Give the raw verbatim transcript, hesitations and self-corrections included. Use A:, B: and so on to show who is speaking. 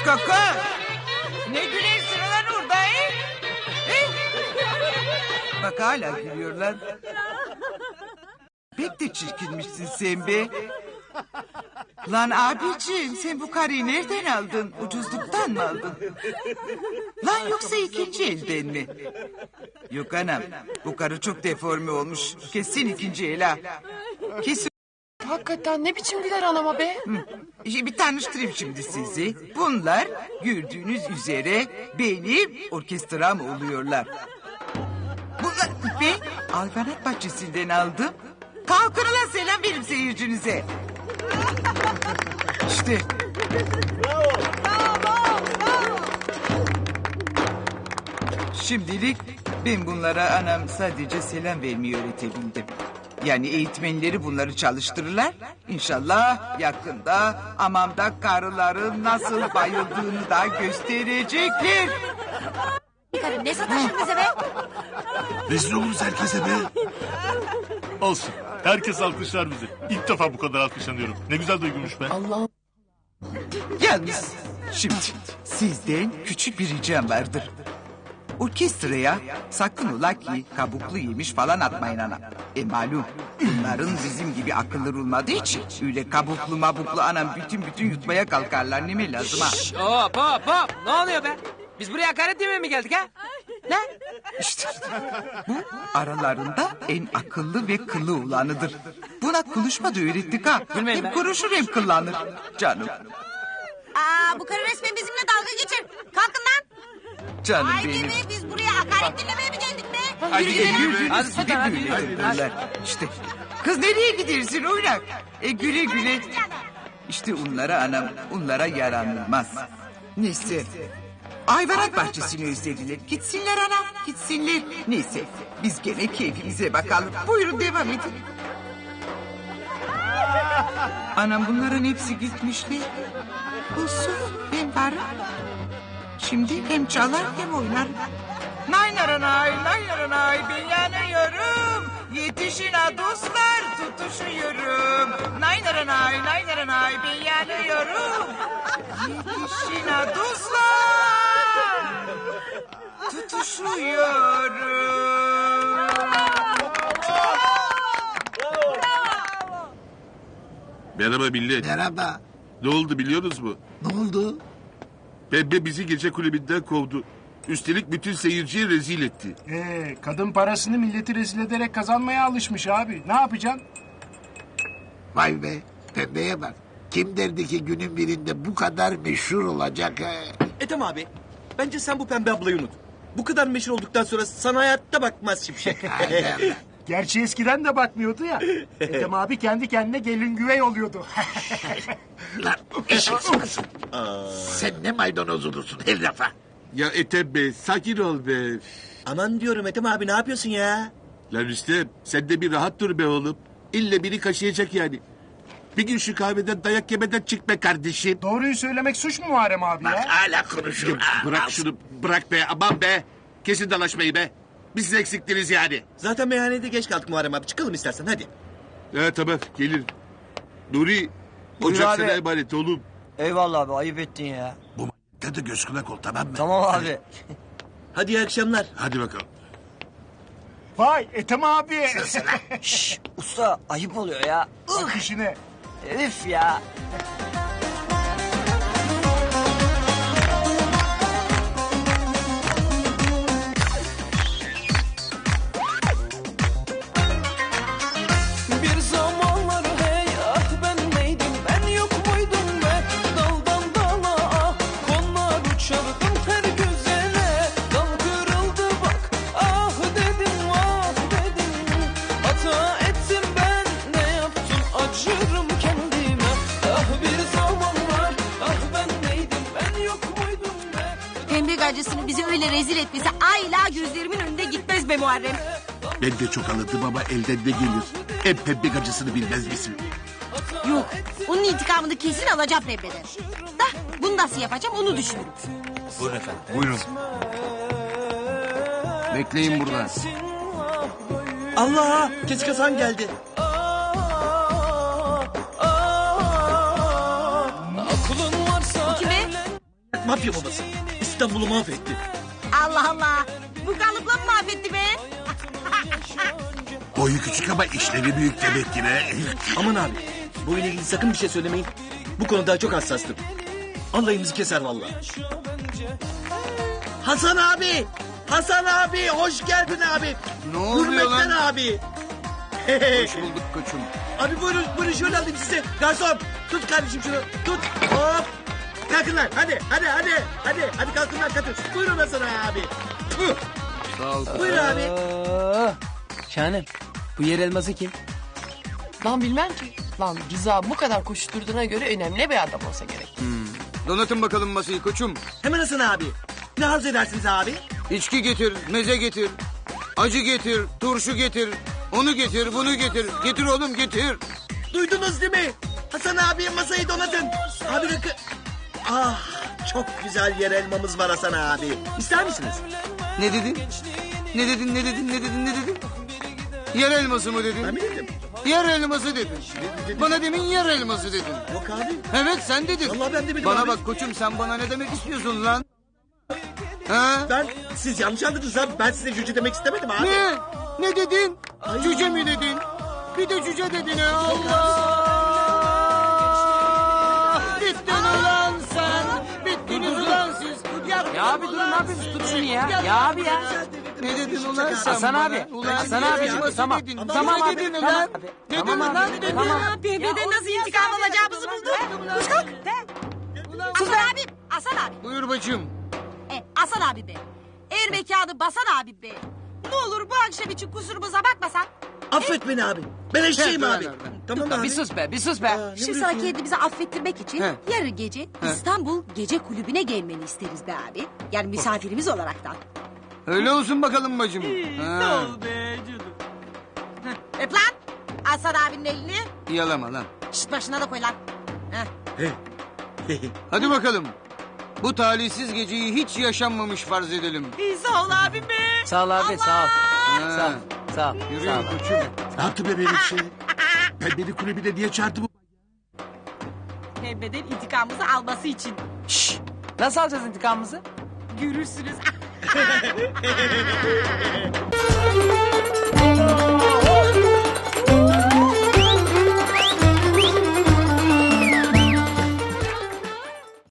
A: kaka. Ne gülersin lan orada he? He? Bak hala gülüyorlar. Pek de çirkinmişsin sen be. Lan abiciğim sen bu karıyı nereden aldın? Ucuzluktan mı aldın? Lan yoksa ikinci elden mi? Yok anam bu karı çok deforme olmuş. Kesin ikinci el ha. Kesin.
B: Hakikaten ne biçim güler anama be?
A: İşte bir tanıştırayım şimdi sizi. Bunlar gördüğünüz üzere benim orkestram oluyorlar. Bunlar ben hayvanat bahçesinden aldım. Kalkın ulan selam verin seyircinize. İşte. Şimdilik ben bunlara anam sadece selam vermeyi öğretebildim. Yani eğitmenleri bunları çalıştırırlar. İnşallah yakında amamda karıların nasıl bayıldığını da gösterecekler.
C: Karım ne sataşın bize be?
D: Rezil oluruz herkese be.
E: Olsun. Herkes alkışlar bizi. İlk defa bu kadar alkışlanıyorum. Ne güzel duygumuş be.
B: Allah'ım.
A: Yalnız şimdi sizden küçük bir ricam vardır. Orkestraya sakın ola ki kabuklu yemiş falan atmayın anam. E malum bunların bizim gibi akılları olmadığı için öyle kabuklu mabuklu anam bütün bütün yutmaya kalkarlar ne mi lazım ha?
F: Hop hop hop. Ne oluyor be? Biz buraya hakaret demeye mi geldik ha? Ne?
A: İşte bu aralarında en akıllı ve kıllı olanıdır. Buna konuşma da öğrettik ha.
F: Bilmem
A: Hem
F: ben.
A: konuşur hem kıllanır. Canım,
C: Aa, bu karı resmen bizimle dalga geçer. Kalkın lan.
A: canım
C: Haydi
A: benim.
C: be biz buraya hakaret dinlemeye mi geldik be?
A: Hadi
C: Yürü, yürü.
A: yürü,
F: Hadi
A: sizi
F: sultan, hadi
A: böyle
F: yürü.
A: yaparlar. İşte kız nereye gidersin oynak? E güle güle. İşte onlara anam, onlara yaranılmaz. Neyse. Hayvanat bahçesini özlediler. Gitsinler anam, gitsinler. Neyse, biz gene keyfimize bakalım. Buyurun devam edin. Anam bunların hepsi gitmişler. Olsun, ben varım. Şimdi hem çalar hem oynar. Nay naranay, nay naranay, ben yanıyorum. Yetişin ha dostlar, tutuşuyorum. Nay naranay, nay naranay, ben yanıyorum. Yetişin ha dostlar, tutuşuyorum.
D: Merhaba millet.
G: Merhaba.
D: Ne oldu biliyorsunuz mu?
G: Ne oldu?
D: Pembe bizi gece kulübünden kovdu. Üstelik bütün seyirciyi rezil etti.
H: Ee, kadın parasını milleti rezil ederek kazanmaya alışmış abi. Ne yapacaksın?
G: Vay be. Pembeye bak. Kim derdi ki günün birinde bu kadar meşhur olacak ha?
I: Ethem abi, bence sen bu pembe ablayı unut. Bu kadar meşhur olduktan sonra sana hayatta bakmaz Şimşek.
G: Haydi Allah.
H: Gerçi eskiden de bakmıyordu ya. Ethem abi kendi kendine gelin güvey oluyordu.
G: Lan eşek sıkısın. Sen ne maydanoz olursun her lafa.
D: Ya Ethem be sakin ol be.
I: Aman diyorum Ethem abi ne yapıyorsun ya?
D: Lan Rüstem sen de bir rahat dur be oğlum. İlle biri kaşıyacak yani. Bir gün şu kahveden dayak yemeden çık be kardeşim.
H: Doğruyu söylemek suç mu Muharrem abi
G: Bak
H: ya?
G: hala konuşuyor.
D: Ya bırak şunu bırak be aman be. Kesin dalaşmayı be. Biz siz eksiktiniz yani.
I: Zaten meyhanede geç kaldık Muharrem abi. Çıkalım istersen hadi.
D: Ha tamam gelir. Nuri
F: Buyur
D: ocak
F: abi.
D: sana emanet oğlum.
F: Eyvallah abi ayıp ettin ya.
G: Bu m***de de göz kulak ol tamam mı?
F: Tamam abi.
I: Hadi iyi akşamlar.
D: Hadi bakalım.
H: Vay Ethem abi.
F: Şşş usta ayıp oluyor ya.
H: Bak işine.
F: Herif ya.
J: Bir zamanlar hey ah ben neydim ben yok muydum be daldan dala ah konar uçardım her güzele dal kırıldı bak ah dedim ah dedim hata ettim ben ne yaptım acırım kendime ah bir zamanlar ah ben neydim ben yok muydum be.
C: Pembe gacısını bize öyle rezil etmesi ayla gözlerimin önünde gitmez be Muharrem.
D: Ben de çok anladım ama elden ne gelir? En pembe gacısını bilmez misin?
C: Yok onun intikamını kesin alacağım Pembe'den. Da bunu nasıl yapacağım onu düşünürüm.
E: Buyurun.
A: Bekleyin burada.
I: Allah! Kesik Hasan geldi.
J: Aklın varsa
C: Kime?
I: mafya babası. İstanbul'u mahvetti.
C: Allah Allah. Bu kalıpla mı mahvetti be?
D: Boyu küçük ama işleri büyük demek ki be.
I: Aman abi. Bu ile ilgili sakın bir şey söylemeyin. Bu konuda çok hassastım. Alayımızı keser vallahi. Hasan abi. Hasan abi hoş geldin abi.
A: Ne oluyor lan?
I: Hürmetten abi.
A: Hoş bulduk koçum.
I: Abi buyurun buyurun şöyle alayım size. Garson tut kardeşim şunu tut. Hop. Kalkın lan hadi hadi hadi. Hadi hadi kalkın lan kalkın. Buyurun Hasan abi. Puh.
A: Sağ ol.
I: Buyur abi.
F: Şahanem. Bu yer elması kim?
B: Lan bilmem ki. Lan Rıza bu kadar koşturduğuna göre önemli bir adam olsa gerek.
K: Donatın bakalım masayı koçum.
I: Hemen Hasan abi. Ne arzu edersiniz abi?
K: İçki getir, meze getir. Acı getir, turşu getir. Onu getir, bunu getir. Getir oğlum getir.
I: Duydunuz değil mi? Hasan abi masayı donatın. Abi rakı... Ah çok güzel yer elmamız var Hasan abi. İster misiniz?
K: Ne dedin? Ne dedin, ne dedin, ne dedin, ne dedin? Yer elması mı dedin?
I: Ben mi dedim?
K: Yer elması dedin. Bana demin yer elması dedin.
I: Yok abi.
K: Evet sen dedin.
I: Vallahi ben demedim
K: Bana
I: abi.
K: bak koçum sen bana ne demek istiyorsun lan? Ha?
I: Ben siz yanlış anladınız abi. Ben size cüce demek istemedim abi.
K: Ne? Ne dedin? Cüce mi dedin? Bir de cüce dedin ya Allah! Bittin ulan sen! Bittiniz ulan siz! Ya,
F: Ya abi durun ne yapıyorsunuz? Tut şunu ya. Ya abi ya.
K: Ne dedin ulan sen
F: Hasan
K: bana?
F: abi,
K: Ulan
F: Hasan
K: yer
F: abi,
K: elması
F: tamam.
K: dedin.
F: Tamam
K: Ne
F: abi,
K: dedin
F: tamam
K: ulan?
F: abi.
K: Dedin
F: Tamam
K: ulan
F: abi,
K: dedin.
F: tamam.
C: Pembe'den nasıl intikam alacağımızı bulduk. Koş kalk. Hasan abi, Hasan abi.
K: Buyur bacım.
C: E, Hasan abi be. Er mekanı basan abi be. Ne olur bu akşam için kusurumuza bakmasan.
I: Affet beni abi. Ben eşeğim
K: He,
I: abi.
K: ver, ver.
I: Tamam abi.
F: Bir sus be, bir sus be.
C: Şu sıra kendimizi affettirmek için
K: He.
C: yarın gece İstanbul Gece Kulübü'ne gelmeni isteriz be abi. Yani misafirimiz olaraktan.
K: Öyle olsun bakalım bacım. Ha.
C: Öp lan Hasan abinin elini.
K: Yalama lan.
C: Şişt başına da koy lan. Heh.
K: Hadi bakalım. Bu talihsiz geceyi hiç yaşanmamış farz edelim.
C: İyi sağ ol abim be.
F: Sağ ol abi, sağ ol.
K: Ha.
F: Sağ ol, sağ ol.
K: Yürü
F: Sağ ol.
K: koçum.
D: Ne yaptı be benim şey? Ben beni kulübüne niye çağırdı bu?
C: Pembe'den intikamımızı alması için.
F: Şşş. Nasıl alacağız intikamımızı?
C: Görürsünüz.